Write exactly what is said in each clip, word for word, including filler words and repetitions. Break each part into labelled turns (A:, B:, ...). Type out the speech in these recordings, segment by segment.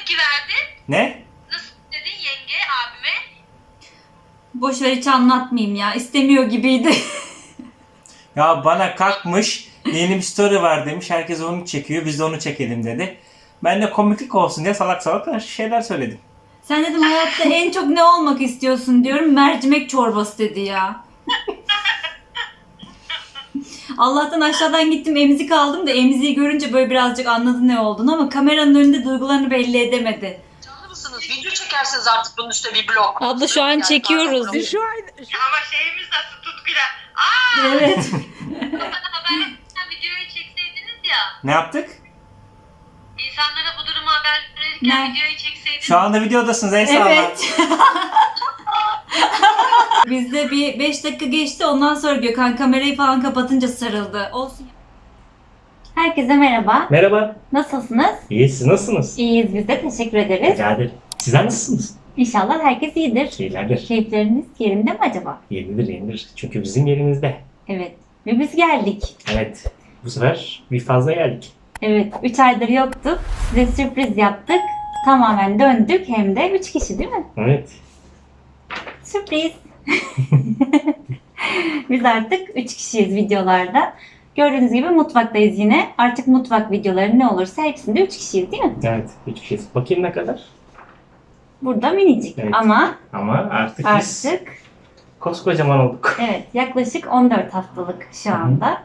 A: tepki verdin?
B: Ne?
A: Nasıl dedin yenge abime?
C: Boş ver, hiç anlatmayayım ya. İstemiyor gibiydi.
B: Ya bana kalkmış yeni bir story var demiş. Herkes onu çekiyor. Biz de onu çekelim dedi. Ben de komiklik olsun diye salak salak şeyler söyledim.
C: Sen dedim hayatta en çok ne olmak istiyorsun diyorum. Mercimek çorbası dedi ya. Allah'tan aşağıdan gittim emzik aldım da emziği görünce böyle birazcık anladı ne olduğunu ama kameranın önünde duygularını belli edemedi.
A: Canlı mısınız? Video çekersiniz artık bunun üstüne bir blog.
C: Abla şu an çekiyoruz.
D: Şu an
A: Ama şeyimiz nasıl Tutkuyla? Aaa!
C: Evet.
A: Haberleştirken videoyu çekseydiniz ya.
B: Ne yaptık?
A: İnsanlara bu durumu haber verirken
C: Ne?
A: videoyu çekseydiniz.
B: Şu anda videodasınız ey sağlar.
C: Evet. Bizde bir beş dakika geçti, ondan sonra Gökhan kamerayı falan kapatınca sarıldı. Olsun. Herkese merhaba.
B: Merhaba.
C: Nasılsınız?
B: İyi, siz nasılsınız?
C: İyiyiz biz de, teşekkür ederiz.
B: Rica ederim. Sizler nasılsınız?
C: İnşallah herkes iyidir.
B: İyilerdir.
C: Keyifleriniz yerinde mi acaba?
B: Yeridir, yeridir. Çünkü bizim yerimizde.
C: Evet. Ve biz geldik.
B: Evet. Bu sefer bir fazla geldik.
C: Evet. üç aydır yoktuk. Size sürpriz yaptık. Tamamen döndük, hem de üç kişi değil mi?
B: Evet.
C: Sürpriz. Biz artık üç kişiyiz videolarda. Gördüğünüz gibi mutfaktayız yine. Artık mutfak videoları ne olursa hepsinde üç kişiyiz değil mi?
B: Evet. Üç kişiyiz. Bakayım ne kadar?
C: Burada minicik
B: Evet.
C: ama
B: Ama artık, biz
C: artık
B: koskocaman olduk.
C: evet, yaklaşık on dört haftalık şu anda.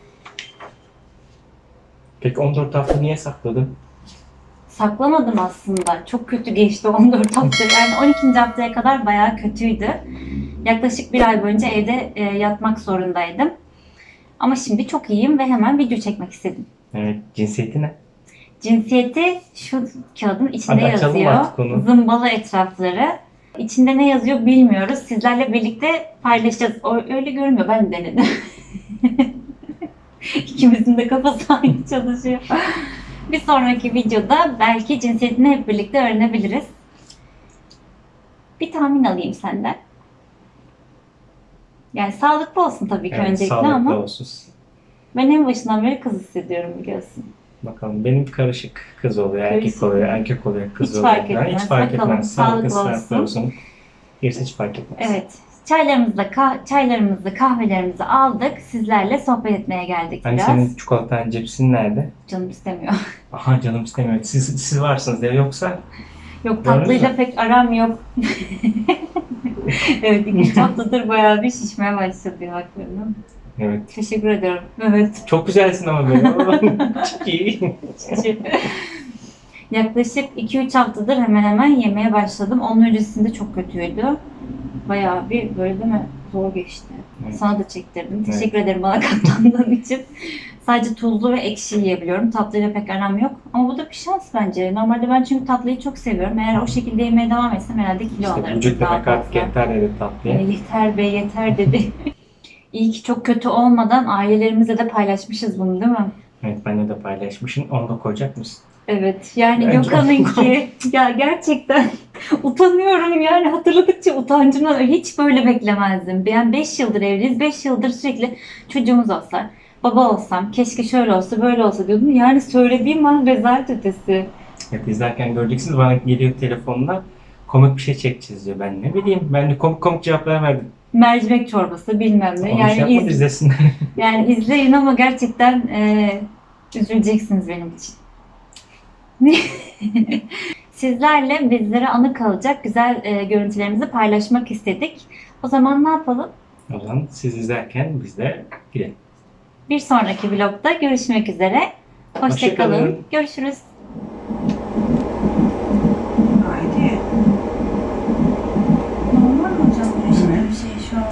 B: Peki on dört hafta niye sakladın?
C: Saklamadım aslında. Çok kötü geçti on dört hafta. Yani on ikinci haftaya kadar bayağı kötüydü. Yaklaşık bir ay boyunca evde e, yatmak zorundaydım. Ama şimdi çok iyiyim ve hemen video çekmek istedim.
B: Evet. Cinsiyeti ne?
C: Cinsiyeti şu kağıdın içinde
B: Hadi açalım
C: yazıyor.
B: artık onu.
C: Zımbalı etrafları. İçinde ne yazıyor bilmiyoruz. Sizlerle birlikte paylaşacağız. O, öyle görünmüyor. Ben de denedim. İkimizin de kafası aynı çalışıyor. Bir sonraki videoda belki cinsiyetini hep birlikte öğrenebiliriz. Bir tahmin alayım senden. Yani sağlıklı olsun tabii ki
B: Evet,
C: öncelikle
B: sağlıklı
C: ama
B: olsun.
C: ben en başından beri kız hissediyorum biliyorsun.
B: Bakalım benim karışık kız oluyor, erkek
C: Karışık.
B: oluyor, erkek oluyor, kız
C: Hiç
B: oluyor.
C: fark
B: Yani
C: etmez.
B: hiç fark
C: Bakalım,
B: etmez. Sağlıklı,
C: sağlıklı
B: sağlıklı olsun. Gerisi hiç fark etmez.
C: Evet. Çaylarımızı, kah- çaylarımızı, kahvelerimizi aldık. Sizlerle sohbet etmeye geldik
B: Hani
C: biraz.
B: senin çikolatan cipsin nerede?
C: Canım istemiyor.
B: Aha canım istemiyor. Siz, siz varsınız diye yoksa
C: Yok,
B: Gördün
C: tatlıyla
B: mü?
C: pek aram yok. Evet, iki üç haftadır bayağı bir şişmeye başladı yanaklarım.
B: evet.
C: Teşekkür ederim. Evet.
B: Çok güzelsin ama böyle. Çok iyi.
C: Yaklaşık iki üç haftadır hemen hemen yemeye başladım. Onun öncesinde çok kötüydü. Bayağı bir böyle değil mi? Zor geçti.
B: Evet.
C: Sana da çektirdim. Teşekkür ederim bana katlandığın için. Sadece tuzlu ve ekşi yiyebiliyorum. Tatlıyla pek aram yok. Ama bu da bir şans bence. Normalde ben çünkü tatlıyı çok seviyorum. Eğer o şekilde yemeye devam etsem herhalde kilo
B: İşte
C: alırım.
B: vücut
C: daha
B: demek artık
C: fazla.
B: yeter dedi tatlıya.
C: Ee, yeter be yeter dedi. İyi ki çok kötü olmadan ailelerimizle de paylaşmışız bunu değil mi?
B: Evet benimle de paylaşmışsın. Onu da koyacak mısın?
C: Evet yani
B: Bence
C: Gökhan'ınki ya gerçekten utanıyorum yani, hatırladıkça utancımdan hiç böyle beklemezdim. Ben beş yıldır evliyiz, beş yıldır sürekli çocuğumuz olsa, baba olsam, keşke şöyle olsa böyle olsa diyordum. Yani söylediğim an rezalet ötesi.
B: Evet izlerken göreceksiniz bana geliyor telefonla komik bir şey çekeceğiz diyor. Ben ne bileyim ben de komik komik cevaplar verdim.
C: Mercimek çorbası bilmem ne.
B: Onu
C: Yani,
B: şey yapmadı
C: iz,
B: izlesinler.
C: yani izleyin ama gerçekten e, üzüleceksiniz benim için. Sizlerle bizlere anı kalacak güzel e, görüntülerimizi paylaşmak istedik. O zaman ne yapalım?
B: O zaman siz izlerken biz de gidelim.
C: Bir sonraki vlogda görüşmek üzere. Hoşça
B: Hoşça
C: kalın.
B: kalın.
C: Görüşürüz.
D: haydi.
C: Normal mi hocam? Yaşadığım bir şey şu an.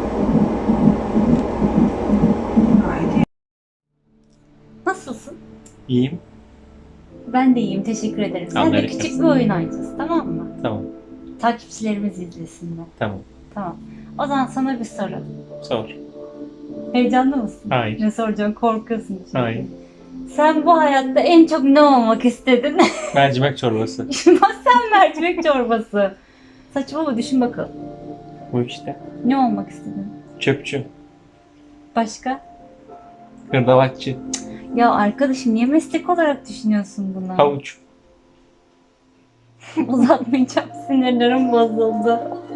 D: Haydi.
C: Nasılsın?
B: İyiyim.
C: Ben de iyiyim. Teşekkür ederim. Sen de
B: Amerika'sın.
C: küçük bir oyun oynayacağız. Tamam mı?
B: Tamam.
C: Takipçilerimiz izlesinler.
B: Tamam.
C: Tamam. O zaman sana bir soru.
B: Sor.
C: Heyecanlı mısın?
B: Hayır.
C: Ne soracağım? Korkuyorsun. şimdi.
B: Hayır.
C: Sen bu hayatta en çok ne olmak istedin?
B: Mercimek çorbası.
C: Sen mercimek çorbası. Saçmalama, düşün bakalım.
B: Bu işte.
C: Ne olmak istedin?
B: Çöpçü.
C: Başka?
B: Hırdavatçı.
C: Ya arkadaşım niye meslek olarak düşünüyorsun bunu?
B: Havuç.
C: Uzatmayacağım. Sinirlerim bozuldu.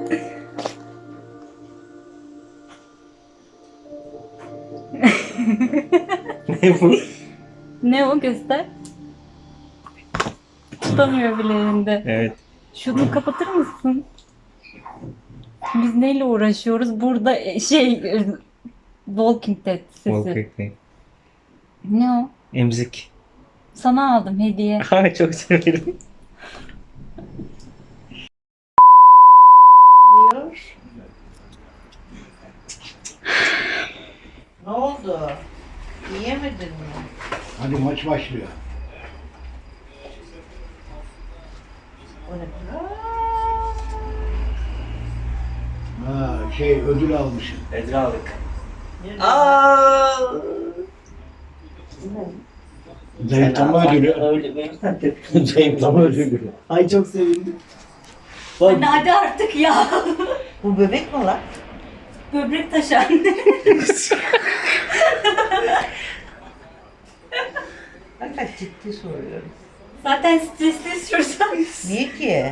B: Ne bu?
C: Ne o, göster. Tutamıyor bile elinde.
B: Evet.
C: Şunu kapatır mısın? Biz neyle uğraşıyoruz? Burada e, şey e, Walking Dead sesi.
B: Walking.
C: Ne o?
B: Emzik.
C: Sana aldım hediye.
B: Ay çok severim.
D: Ne oldu? Yiyemedin mi?
E: Hadi maç başlıyor.
D: O ne?
E: Ha, şey ödül almışsın.
B: Edra aldık.
D: Aa!
E: Zayıflama ödülü.
B: Öyle benim.
E: Zayıflama ödülü.
B: Ay çok sevindim.
C: Hadi hadi artık ya.
D: Bu bebek mi lan?
C: Böbrek taşı anne.
D: Hakikaten ciddi soruyorum.
C: Zaten stresli şuradan.
D: Niye ki?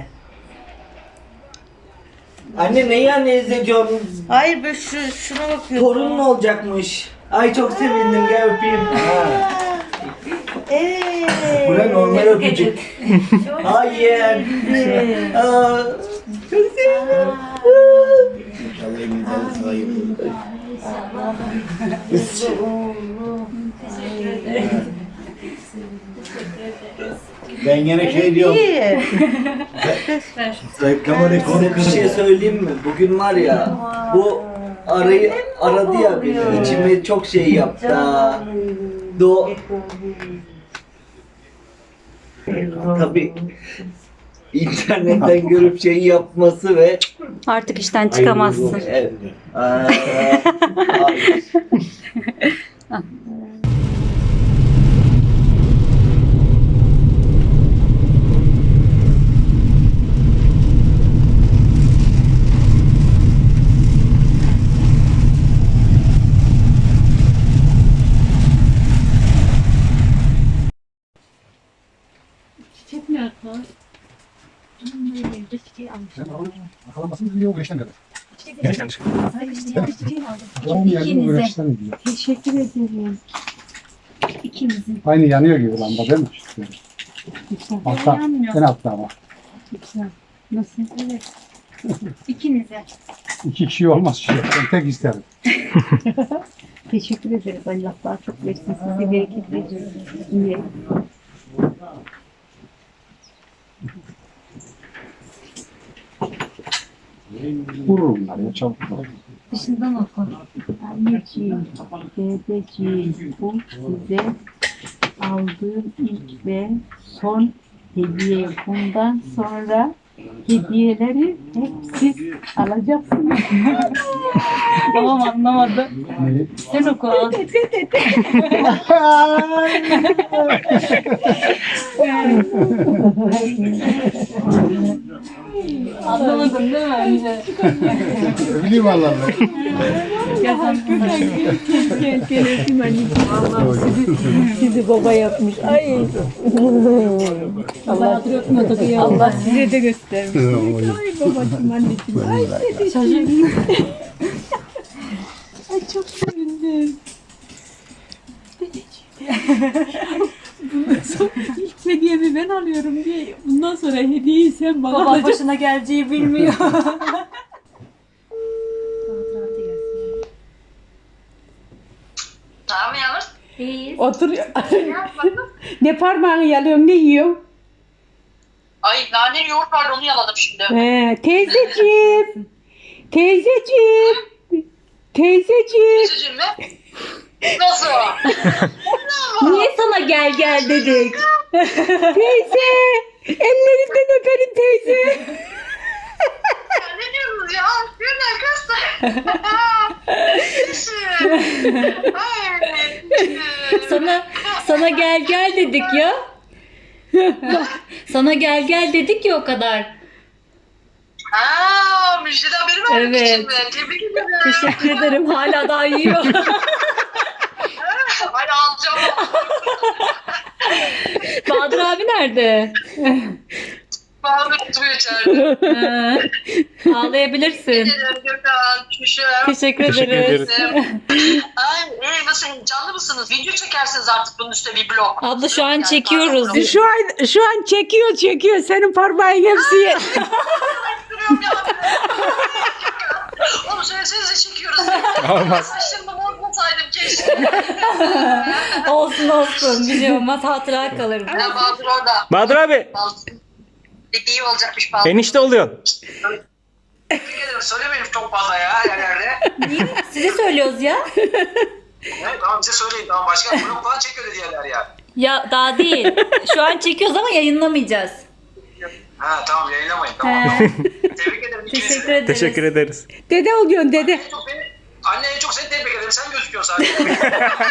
F: Anne neyi anne izleyeceğim?
D: Hayır ben şu, şuna bakıyorum.
F: Torunun olacakmış. Ay çok sevindim, gel öpeyim.
D: Evet.
F: Bu ne normal öpücük. Hayır. Aa, çok sevindim.
E: İnşallah elinizden sahip olur. Ben yine şey diyorum.
D: İyi.
E: Zayıflama rekoru
F: Size bir şey söyleyeyim mi? Bugün var ya, bu arayı aradı ya beni. İçime çok şey yaptı ha. Do Tabii internetten görüp şey yapması ve
C: Artık işten çıkamazsın.
F: evet. Aa, hayır.
E: Alamasın diyor güreşten kadar.
C: İkinize.
G: Teşekkür ederim.
C: İkinizin.
G: Aynı yanıyor gibi lamba değil mi? Güzel. Altta,
C: Yanmıyor.
G: en altta ama. Güzel. Nasıl?
C: Evet. İkinize.
G: İki kişi olmaz şey. Ben tek isterim. Teşekkür ederiz. Allah daha çok versin. Sizi bereketli. İyi. Vurur bunlar ya çabuk.
C: Dışından oku.
G: Anneciğim, dedeciğim, bu size aldığım ilk ve son hediye. Bundan sonra hediyeleri hep siz alacaksınız.
C: Babam anlamadı.
G: Ne?
C: Sen oku. al. Anlamadın değil mi önce?
G: Bileyim Allah'ım.
H: Gel gel öpeyim anneciğim. Allah'ım sizi, sizi baba yapmış. Ay. Allah, Allah size de göstermiş. Ay babacığım anneciğim. Ay dedeciğim. Ay çok sevindim. Bundan sonra ilk hediyemi ben alıyorum diye. Bundan sonra hediyeyi sen bana
C: Babam
H: alacaksın.
C: başına geleceği bilmiyor.
A: Tamam Yavuz.
C: İyi.
H: Otur.
A: Ne yap bakalım?
H: Ne parmağını yalıyorsun, ne yiyorsun?
A: Ay nane yoğurt vardı onu yaladım şimdi.
H: He, teyzeciğim. Teyzeciğim. Teyzeciğim.
A: Üzücüm mü? Nasıl?
C: Niye sana gel gel dedik?
H: Teyze. Ellerinden öperim teyze.
A: Ya ne diyorsunuz ya? Gülme kız.
C: Sana sana gel gel dedik ya. Sana gel gel dedik ya o kadar.
A: Haa müjdeli haberi vermek
C: Evet.
A: için mi? Tebrik ederim.
C: Teşekkür ederim. Hala daha yiyor.
A: Hadi alacağım.
C: Bahadır abi nerede?
A: Bahadır oturuyor içeride.
C: Ee, Ağlayabilirsin.
A: Gökhan, Şuşa.
C: Teşekkür
B: Teşekkür
C: ederiz.
A: Ay, e, nasıl canlı mısınız? Video çekersiniz artık bunun üstüne bir blog.
C: Abla şu an
A: Yani
C: çekiyoruz.
A: pardon,
H: Şu an şu an çekiyor çekiyor. Senin parmağın hepsi ye-
A: duruyorum ya. Oğlum söylesenize çekiyoruz.
B: Olmaz.
A: Saçlarımı bozmasaydım keşke.
C: Olsun olsun. Bir şey olmaz. Hatıra kalır.
A: Ya Bahadır orada.
B: Bahadır abi.
A: Bahadır. İyi olacakmış Bahadır.
B: Enişte oluyorsun.
I: Tebrik ederim. Söylemeyelim çok fazla ya yerlerde.
C: Size söylüyoruz ya.
I: Evet, tamam bize söyleyin. Tamam başka blok falan çekiyor dedi yerler ya.
C: Ya daha değil. Şu an çekiyoruz ama yayınlamayacağız.
I: Ha tamam yayınlamayın tamam.
C: He,
I: Tebrik ederim ikinizi
C: teşekkür
I: de.
C: ederiz.
B: Teşekkür ederiz.
H: Dede oluyorsun dede.
I: En çok beni, anne en çok seni tebrik ederim. Sen gözüküyorsun sadece.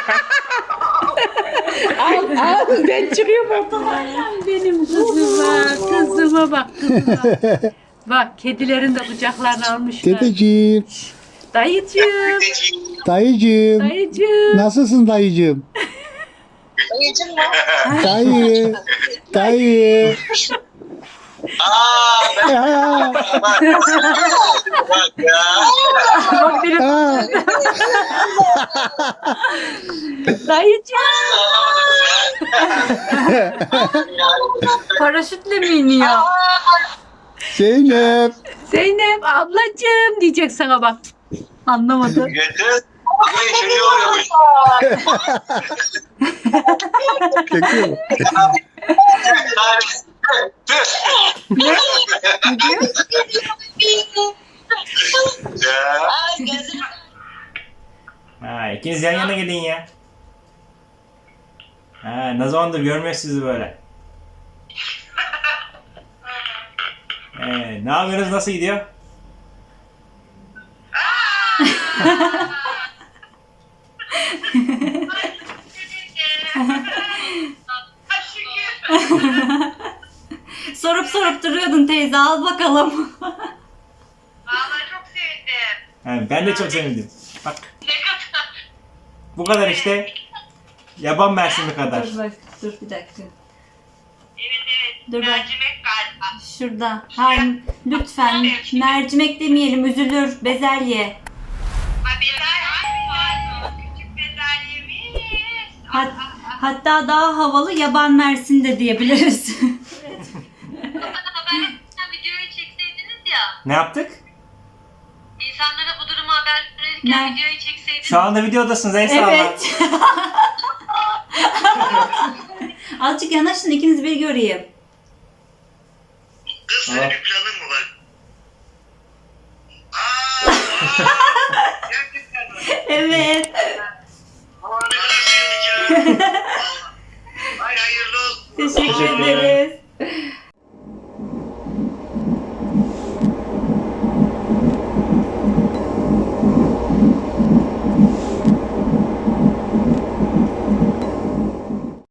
H: Al al ben çıkıyorum ortadan. Benim kızıma, kızıma bak kızıma. Bak kedilerin de kucaklarını almışlar.
G: Dedeciğim,
H: Dayıcığım,
G: dayıcığım.
H: dayıcığım.
G: Nasılsın dayıcığım?
A: Dayıcım mı?
G: Dayı, dayı.
I: Aaa ben
G: Aa,
I: bak ya.
H: Bak benim
G: aa.
H: dayıcığım. Paraşütle mi iniyor?
G: Zeynep.
H: Zeynep ablacığım diyecek sana bak. Anlamadı.
I: Getir. Ne çocuğu oluyormuş.
G: Çekiyor mu?
A: Ay gözüm.
B: Ha, ikiniz yan yana gelin ya. Ha, ne zamandır görmüyoruz sizi böyle. Ee, ne yapıyorsunuz? Nasıl gidiyor?
C: Sorup sorup duruyordun teyze. Al bakalım.
A: Vallahi çok sevindim.
B: Ha, ben de çok sevindim. Bak
A: Ne kadar.
B: bu kadar işte. Yaban mersimi kadar.
C: Dur bak. Dur bir dakika.
A: Evet evet.
C: Dur bak.
A: Mercimek galiba.
C: Şurada. Hayır. Lütfen. Mercimek demeyelim. Üzülür. Bezelye.
A: Ha bezelye. Küçük bezelyemiz.
C: Hat, hatta daha havalı yaban mersin de diyebiliriz.
A: Haberleştirken videoyu çekseydiniz ya.
B: Ne yaptık?
A: İnsanlara bu durumu haber verirken
C: Ne?
A: videoyu çekseydiniz.
B: Şu anda videodasınız ey sağ olun.
C: Evet. Azıcık yanaşın ikiniz bir göreyim.
I: Kız
B: senin
I: bir planın mı var? Aaa! Gerçekten mi?
C: Evet.
I: Aman ne kadar sevindik ya. Ay hayırlı olsun.
C: Teşekkür
B: Teşekkür
C: ederiz.